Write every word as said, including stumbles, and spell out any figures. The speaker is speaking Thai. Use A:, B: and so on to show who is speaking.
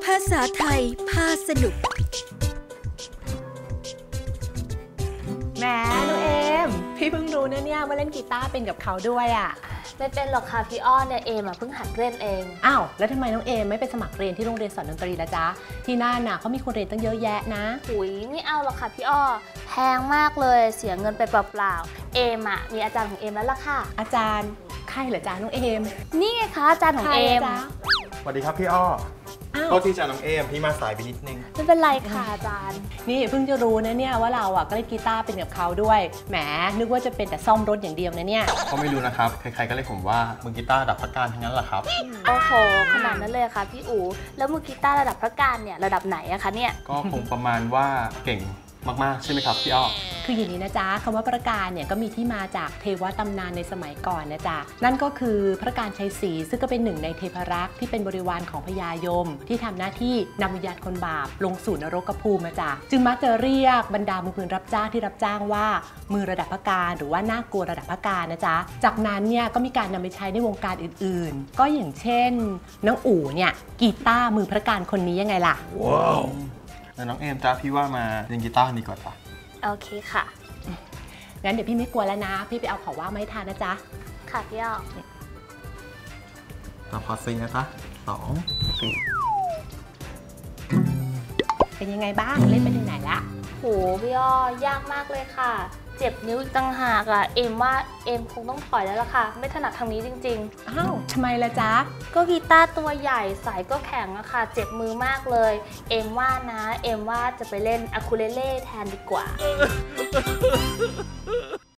A: าษาไทยพาสนุก
B: แหมน้องเอมพี่เพิ่งรู้นะเนี่ยว่าเล่นกีตาร์เป็นกับเขาด้วยอ่ะ
C: ไม่เป็นหรอกค่ะพี่อ้อเนี่ยเอมอ่ะเพิ่งหัดเล่นเอง
B: อ้าวแล้วทำไมน้องเอมไม่ไปสมัครเรียนที่โรงเรียนสอนดนตรีละจ๊ะที่น่านน่ะเขามีคนเรียนตั้งเยอะแยะนะ
C: หุยไม่เอาหรอกค่ะพี่อ้อแพงมากเลยเสียเงินไปเปล่าๆเอมอ่ะมีอาจารย์ของเอมแล้วล่ะค่ะ
B: อาจารย์ใครเหรอจ๊ะน้องเอม
C: นี่ไงคะอาจารย์ของเอม
D: สวัสดีครับพี่อ้อก็ที่จะน้องเอมพี่มาสายไปนิดนึง
C: ไม่เป็นไรค่ะอาจารย์
B: นี่เพิ่งจะรู้นะเนี่ยว่าเราอ่ะก็เล่นกีตาร์เป็นกับเขาด้วยแหมนึกว่าจะเป็นแต่ซ่อมรถอย่างเดียวนะเนี่ย
D: เขาไม่รู้นะครับใครๆก็เรียกผมว่ามือกีตาร์ระดับพระการทั้งนั้นแหละครับ
C: โอ้โหขนาดนั้นเลยค่ะพี่อู๋แล้วมือกีตาร์ระดับพระการเนี่ยระดับไหนอะคะเนี่ย
D: ก็คงประมาณว่าเก่งมากๆใช่ไหมครับพี่อ้อ
B: คืออย่างนี้นะจ๊ะคำว่าพระการเนี่ยก็มีที่มาจากเทวตำนานในสมัยก่อนนะจ๊ะนั่นก็คือพระการชัยศรีซึ่งก็เป็นหนึ่งในเทพรักษ์ที่เป็นบริวารของพญายมที่ทำหน้าที่นำวิญญาณคนบาปลงสู่นรกภูมิมาจ๊ะจึงมักจะเรียกบรรดามือปืนรับจ้างที่รับจ้างว่ามือระดับพระการหรือว่าน่ากลัวระดับพระการนะจ๊ะจากนั้นเนี่ยก็มีการนำไปใช้ในวงการอื่นๆก็อย่างเช่นน้องอู๋เนี่ยกีตาร์มือพระการคนนี้ยังไงล่ะ
D: ว้าวแล้วน้องเอมจ้าพี่ว่ามาเล่นกีตาร์ดีกว่าจ้ะ
C: โอเคค่ะ
B: งั้นเดี๋ยวพี่ไม่กลัวแล้วนะพี่ไปเอาของว่างมาให้ทานนะจ๊ะ
C: ค่ะพี่อ้อ
D: เราพอซิงนะจ๊ะสองสี่
B: เป็นยังไงบ้างเล่นไปถึงไหนละ
C: โหพี่อ้อยากมากเลยค่ะเจ็บนิ้วอีกต่างหากอ่ะเอมว่าเอมคงต้องถอยแล้วล่ะค่ะไม่ถนัดทางนี้จริง
B: ๆอ้าวทำไมล่ะจ๊ะ
C: ก็กีตาร์ตัวใหญ่สายก็แข็งอะค่ะเจ็บมือมากเลยเอมว่านะเอมว่าจะไปเล่นอะคูเลเล่แทนดีกว่า